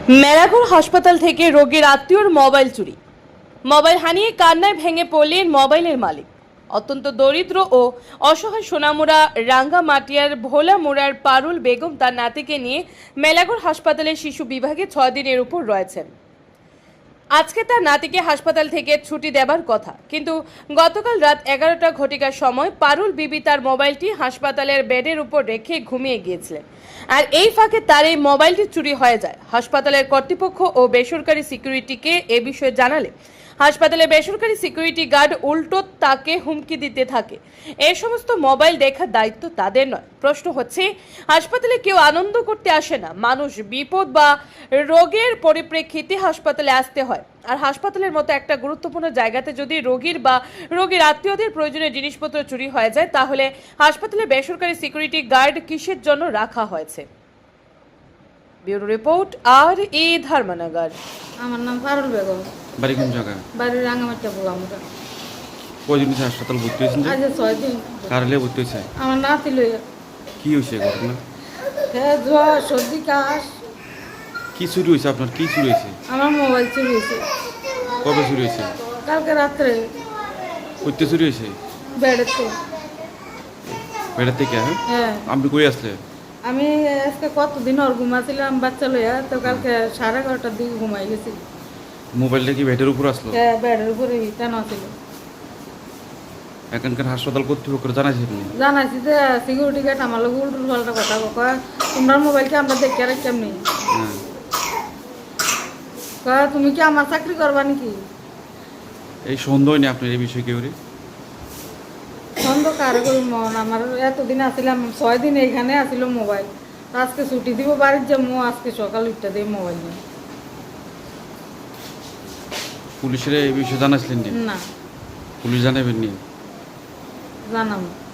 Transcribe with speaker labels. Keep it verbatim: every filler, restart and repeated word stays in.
Speaker 1: মেলাঘর হাসপাতাল থেকে রোগীর আত্মীয়র মোবাইল চুরি। মোবাইল হানিয়ে কান্নায় ভেঙে পড়লেন মোবাইলের মালিক। অত্যন্ত দরিদ্র ও অসহায় সোনামুড়া রাঙ্গামাটিয়ার ভোলামুড়ার পারুল বেগম তার নাতিকে নিয়ে মেলাঘর হাসপাতালের শিশু বিভাগে ছয় দিনের উপর রয়েছেন। আজকে তার নাতিকে হাসপাতাল থেকে ছুটি দেবার কথা, কিন্তু গতকাল রাত এগারোটা ঘটিকার সময় পারুল বিবি তার মোবাইলটি হাসপাতালের বেডের উপর রেখে ঘুমিয়ে গিয়েছিলেন। আর এই ফাঁকে তার এই মোবাইলটি চুরি হয়ে যায়। হাসপাতালের কর্তৃপক্ষ ও বেসরকারি সিকিউরিটিকে এ বিষয়ে জানালে হাসপাতালে বেসরকারি সিকিউরিটি গার্ড উল্টো তাকে হুমকি দিতে থাকে। এই সমস্ত মোবাইল দেখার দায়িত্ব তাদের নয়। প্রশ্ন হচ্ছে, হাসপাতালে কেউ আনন্দ করতে আসে না, মানুষ বিপদ বা রোগের পরিপ্রেক্ষিতে হাসপাতালে আসতে হয়। আর হাসপাতালের মতো একটা গুরুত্বপূর্ণ জায়গাতে যদি রোগীর বা রোগীর আত্মীয়দের প্রয়োজনীয় জিনিসপত্র চুরি হয়ে যায়, তাহলে হাসপাতালে বেসরকারি সিকিউরিটি গার্ড কিসের জন্য রাখা হয়েছে? ব্যুরো রিপোর্ট, আর ই ধর্মনগর।
Speaker 2: আমার নাম পারুল বেগম।
Speaker 3: বাড়ি কোন জায়গা?
Speaker 2: বাড়ি রাঙামাটিয়া বলামুড়া।
Speaker 3: কয়দিন হয়েছে হাসপাতাল ভর্তি হয়েছেন? যে
Speaker 2: আজ ছয় দিন।
Speaker 3: কারলে ভর্তি হয়েছে?
Speaker 2: আমার নাতি লইয়া।
Speaker 3: কি হয়েছে ঘটনা?
Speaker 2: হ্যাঁ, জ্বর, সর্দি, কাশ।
Speaker 3: কি চুরি হয়েছে আপনার? কি চুরি হয়েছে?
Speaker 2: আমার মোবাইল চুরি হয়েছে।
Speaker 3: কবে চুরি হয়েছে?
Speaker 2: কালকে রাত্রে
Speaker 3: কইতে চুরি হয়েছে?
Speaker 2: বেড়েতে।
Speaker 3: বেড়ার থেকে? হ্যাঁ,
Speaker 2: হ্যাঁ,
Speaker 3: আপনি কই আসলে?
Speaker 2: আমি আজকে কতদিন ওর ঘুমাছিলাম বাচ্চা লইয়া, তো কালকে সাড়ে এগারোটার দিকে ঘুমাই গেছি।
Speaker 3: মোবাইলটা কি বেডের উপর আসলো?
Speaker 2: হ্যাঁ, বেডের উপরে টানা ছিল।
Speaker 3: এখানকার হাসপাতাল কর্তৃপক্ষ জানাইছেন?
Speaker 2: জানাইছি যে সিকিউরিটি গার্ড আমার লোক উল্টুল পাল্টা কথা কয়, তোমার মোবাইলকে আমরা দেখে রাখি কেমনি।
Speaker 3: হ্যাঁ,
Speaker 2: কয়, তুমি কি আমার চাকরি করবা নাকি?
Speaker 3: এই সন্দেহ নেই আপনার এই বিষয়ে কেউ?
Speaker 2: সন্দেহ কারে করি মন, আমার এতদিন আসিলাম ছয় দিন এইখানে আসিল মোবাইল, তো আজকে ছুটি দিব বাড়ির যাবো, আজকে সকাল উঠতে দিয়ে মোবাইল নিয়ে।
Speaker 3: পুলিশের এই বিষয়ে জানাইছিলেন?
Speaker 2: না,
Speaker 3: পুলিশ জানাবেন নি?
Speaker 2: জানাবো।